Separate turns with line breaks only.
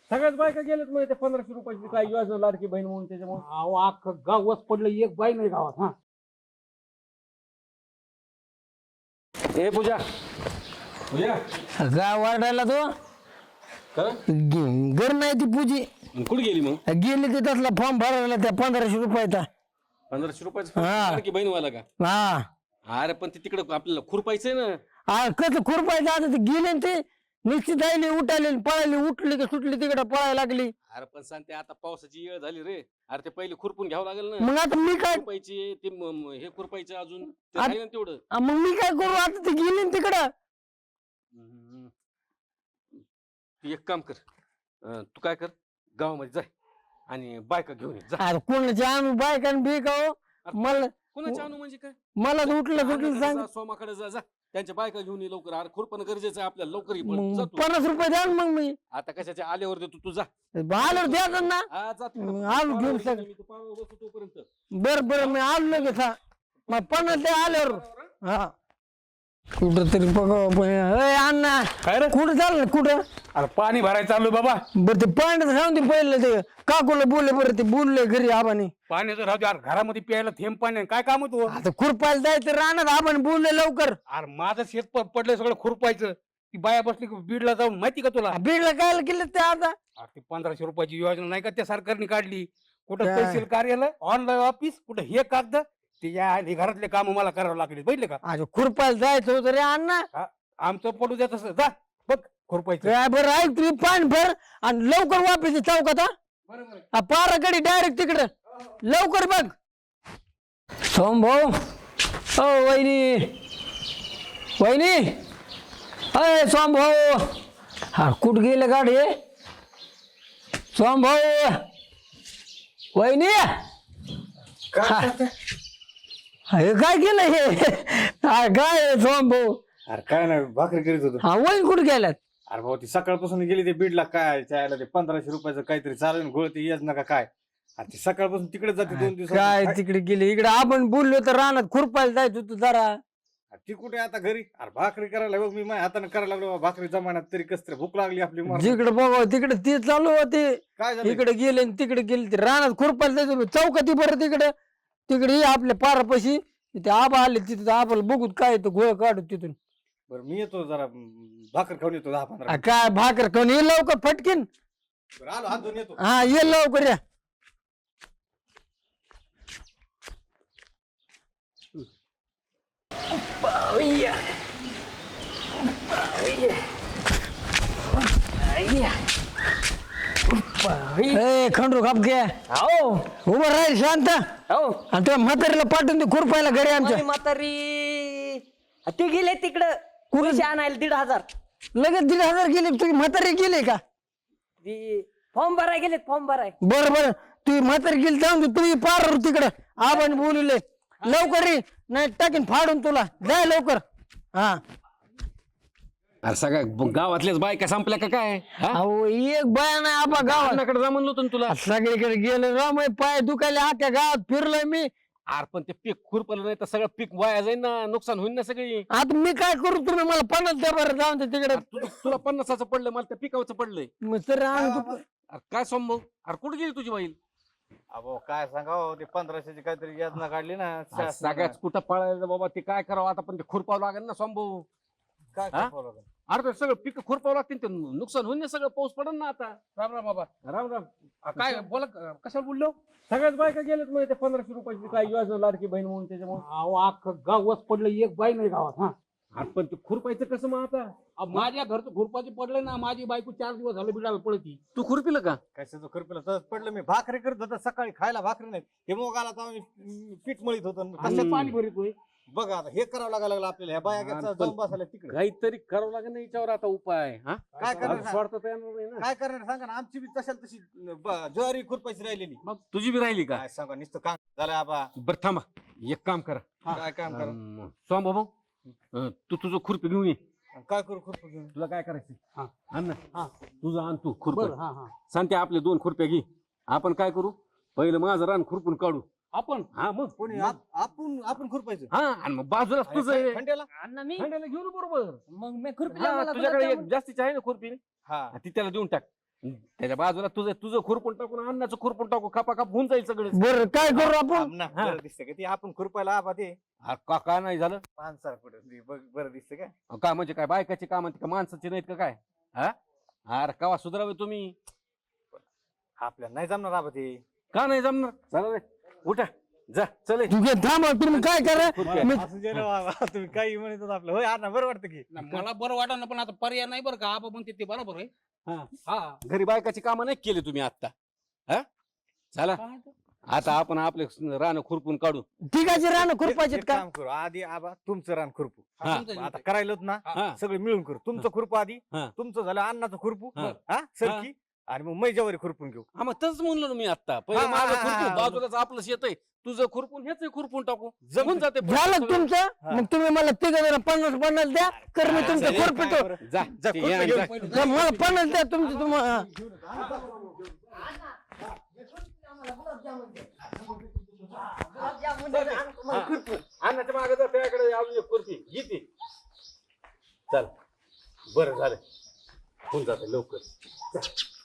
सगळ्याच बायका गेल्यात म्हणजे ते 1500 रुपयाची काय योजना लाडकी बहीण म्हणून त्याच्यामुळे.
अहो अख्खं गावच पडलं एक बाई नाही गावात. हा
ए पूजा पूजा
गाव वाढायला तो घर नाही ती पूजी
कुठे गेली मग?
गेली की तसला फॉर्म भरायला त्या 1500 रुपयाचा.
1500 रुपयाचं
हा.
लाडकी बहीण वाला का?
हा
अरे पण ते तिकडे आपल्याला खुरपायचंय ना.
कसं खुरपायचं आता ते गेले न ते निश्चित आले उठाले पळाली उठली की सुटली तिकडे पळायला लागली.
अरे पण सांगते आता पावसाची वेळ झाली रे. अरे ते पहिले खुरपून घ्यावं लागेल ना.
मग आता मी काय
खुरपायची ते हे खुरपायचं अजून ते राहिलं ना तेवढं.
मग मी काय करू आता ते गेले न तिकडं.
हम्म. तू एक काम कर, तू काय कर गावामध्ये जाय आणि बायका घेऊन ये जा.
अरे कोणाच्या आणू बायकान बिका हो मला
कोणाच्या आणू म्हणजे काय?
मला उठलं सुटलं
अण्णाकडे
सांग.
जा, सोमाकडे जा जा त्यांच्या बायका घेऊन ये लवकर. अरे खुरपण गरजेचं आहे आपल्याला लवकर ये पण.
मग
जा तू.
50 रुपये द्या ना मग मी
आता कशाच्या आल्यावर देतो तू जा.
आलो द्या ना.
हा, जा तिकडं.
मग आलो घेऊन सग
मी तू पावावर बसतो तोपर्यंत.
बरं मी आलो लगेच. हा मग 50 ते आल्यावर हा कुठं तरी अण्णा
काय रे?
कुठं चाललं कुठं?
अरे पाणी भरायचं चालू बाबा.
बरं ते पाण्यात सांग ते पहिलं ते काकूला बोलले बरं ते बोलले घरी आबाने.
पाण्याचं राहू दे. अरे घरामध्ये प्यायला थेंब पाणी आहे. काय काम होतो?
आता खुरपायला जायचं राहणार आबाने बोलले लवकर.
अरे माझं शेत पडलं सगळं खुरपायचं. ती बाया बसली की बीडला जाऊन माहिती का तुला?
बीडला काय केलं ते आता?
अरे ती 1500 रुपयाची योजना नाही का त्या सरकारने काढली. कुठं
काय?
तहसील कार्यालय ऑनलाईन ऑफिस कुठं हे कागद ते या आणि घरातले काम मला करावं लागले. बघितले का?
अरे खुरपायला जायचं होतं रे अण्णा.
आमचं पडू द्या तसं. जा बघ खुरपायचं.
काय बरं ऐक तुम्ही पाणी भर आणि लवकर वापस चौकात हा.
बरोबर.
पाराकडे डायरेक्ट तिकडं लवकर बघ. सोम भाऊ ओ वहिनी वहिनी अय सोम भाऊ. हा कुठं गेले गाडी सोम भाऊ वहिनी. हे काय केलं हे काय सोम भाऊ?
अरे काय नाही भाकरी करीत होतो.
हा वहिनी कुठे गेल्यात?
अरे भाऊ ती सकाळपासून गेली ते बीडला काय चायला ते 1500 रुपयाचं काहीतरी चालू गोळ ते येच नका काय. अरे ती सकाळपासून तिकडे जाते 2 दिवस.
काय तिकडे गेले इकडे आपण बोललो तर रानात खुरपायला जायचं होतं जरा.
ती कुठे आता घरी? अरे भाकरी करायला बघ मी माझ्या हाताने करायला लागलो बाबा. भाकरी जमान्यात तरी कस तरी भूक लागली आपली मरण.
जिकडे बघा तिकडे ते चालू होते.
काय झालं?
इकडे गेले आणि तिकडे गेले ते रानात खुरपायला जायचं चौकाती बरं तिकडे ये आपल्या पारापाशी तिथे आबा आले तिथे आबाला बघूत काय तो घोळ काढू तिथून.
बरं मी येतो जरा भाकर खाऊन येतो 10-15.
काय भाकर खाऊन ये लवकर फटकीन.
बरं आलो हात धुवून येतो.
हा ये लवकर या. खंडू खाप घे उभं राहील शांत. आणि त्या म्हातारीला पाठवून दे खुरपायला घरी आमच्या.
म्हातारी ते गेले तिकडं कुठे आणायला 1500.
लगेच 1500 गेले तुझी म्हातारी गेली का?
फॉर्म भराय गेलेत फॉर्म भराय.
बरं तुझी म्हातारी गेली जाऊन दे तुम्ही पार तिकडं आबाने बोलले लवकर ये नाही टाकीन फाडून तुला जाय लवकर. हा
अरे सगळ्या गावातल्याच बायका संपल्या का काय? हा?
अहो एक बाया नाही आबा गावात.
अण्णाकडे जा म्हणलो होतो ना तुला.
सगळीकडे गेलो राम पाय दुखायला आख्या गावात फिरलोय मी.
अरे पण ते पीक खुरपलं नाही तर सगळं पीक वाया जाईल ना. नुकसान होईल ना सगळी.
आता मी काय करू तुम्ही मला 50 द्या बरं जाऊन दे तिकडे.
तुला 50चं पडलं मला त्या पिकावचं पडलंय.
मग सर
अरे काय संभव? अरे कुठे गेली तुझी बाईल?
अहो काय सांगावं ते 1500ची काहीतरी योजना काढली ना
सगळ्याच कुठं पळायचं बाबा. ते काय करावं आता पण ते खुरपावं लागेल ना संभव.
काय
हा?
करावं लागेल?
अरे ते सगळं पीक खुरपावं लागतील ते नुकसान होईल ना सगळं. पाऊस पडेल ना आता.
राम राम बाबा.
राम राम.
काय बोला कशाला बोललो?
सगळ्याच बायका गेल्यात म्हणजे ते 1500 रुपयाची काय योजना लाडकी बहीण म्हणून त्याच्यामुळे.
अहो अख्खं गावच पडलं एक बाई नाही गावात. हा
अरे पण ते खुरपायचं कसं मग आता?
माझ्या घरचं खुरपाची पडलं ना. माझी बायको 4 दिवस झाले बिडाला पळती.
तू खुरपिलं का?
कशाचं खुरपीला तसंच पडलं मी. भाकरी करत होतो सकाळी खायला भाकरी नाही. हे मोगाला तर आम्ही पीठ मळीत होतो.
कसं पाणी भरतोय?
बघा आता हे करावं लागायला लागलं आपल्याला. ह्या बाया
हा,
जाऊन बसायला तिकडे.
काहीतरी करावं लागेल ना याच्यावर आता उपाय. हा
काय करणार?
स्वार्थ येणार नाही ना.
काय करणार सांगा ना. आमची बी तशाला तशी ज्वारी खुरपायची राहिलेली.
मग तुझी बी राहिली का?
काय सांगा नुसतं काम झालं आबा.
बरं थांबा एक काम करा.
काय काम करा?
स्वाम बाबा तू तुझं खुरपी घेऊन ये.
काय करू खुरपं घेऊन?
तुला काय करायचं?
हा.
आण ना.
हा.
तुझं आण तू खुरप.
हा हा.
सांगते आपले 2 खुरप्या घे. आपण काय करू पहिलं माझं रान खुरपून काढू.
आपण
हा मग
कोणी आपण खुरपायचं?
हा आणि मग बाजूलाच तुझं आहे.
खंड्याला?
अण्णा मी
खंड्याला घेऊन ये बरोबर.
मग मी खुरपी
हा, तुझ्याकडे एक जास्तीची आहे ना खुरपी.
हा
ती त्याला देऊन टाक. त्याच्या बाजूला तुझं तुझं खुरपून टाकून अन्नाचं खुरपून टाकू खपा खप होऊन जाईल सगळं
बरं काय करू आपण
आमना, बरं दिसतं का ते आपण खुरपायला आबा ते
का नाही झालं
माणसाला कुठं बरं दिसतं का
का म्हणजे काय बायकाची काम का माणसाची नाहीत का काय हा अरे कवा सुधारावे तुम्ही
आपल्याला नाही जमणार आबा ते
का नाही जमणार चला रे उठा जा चल
तू घे थांब तुम्ही काय करा मी-
असं जे ना बाबा, तुम्ही काही म्हणत होता आपलं होय अण्णा बरं वाटतं की
मला बरं वाटत ना पण आता पर्याय नाही बरं का आबा म्हणते ते बरोबर आहे हा
घरी बायकाची कामं नाही केली तुम्ही आता हा चला आता आपण आपले रान खुरपून काढू
ठिकाची रान खुरपायचे
एक
का
काम करू आधी आबा तुमचं रान खुरपू
हा.
आता करायलोच ना
हा
सगळे मिळून करू तुमचं खुरपू आधी
हा.
तुमचं झालं अन्नाचं खुरपू
हा.
हा सरकी आणि मग मैजावरी खुरपून घेऊ
हा मग तसंच म्हणलं ना मी आता पहिले
हा,
माझं
हा, हा,
खुरपून
हा.
बाजूलाच आपलं शेत आहे तुझं खुरपून हेच खुरपून टाकू
जमतं.
जमून जाते
झालं तुमचं
हा.
मग तुम्ही मला तिघ जण 50 द्या कर मी तुमचं
चालेल,
खुरपितो
काय बरं.
जा
जा,
ते
खुरपी
ये आणि
घेऊन
जा.
पहिले.
तर मला 50 द्या तुमचं तुम्हाला
अन्नाच्या मागे जा त्याकडे अजून एक खुर्ची घेते चल बरं झालं होऊन जाते लवकर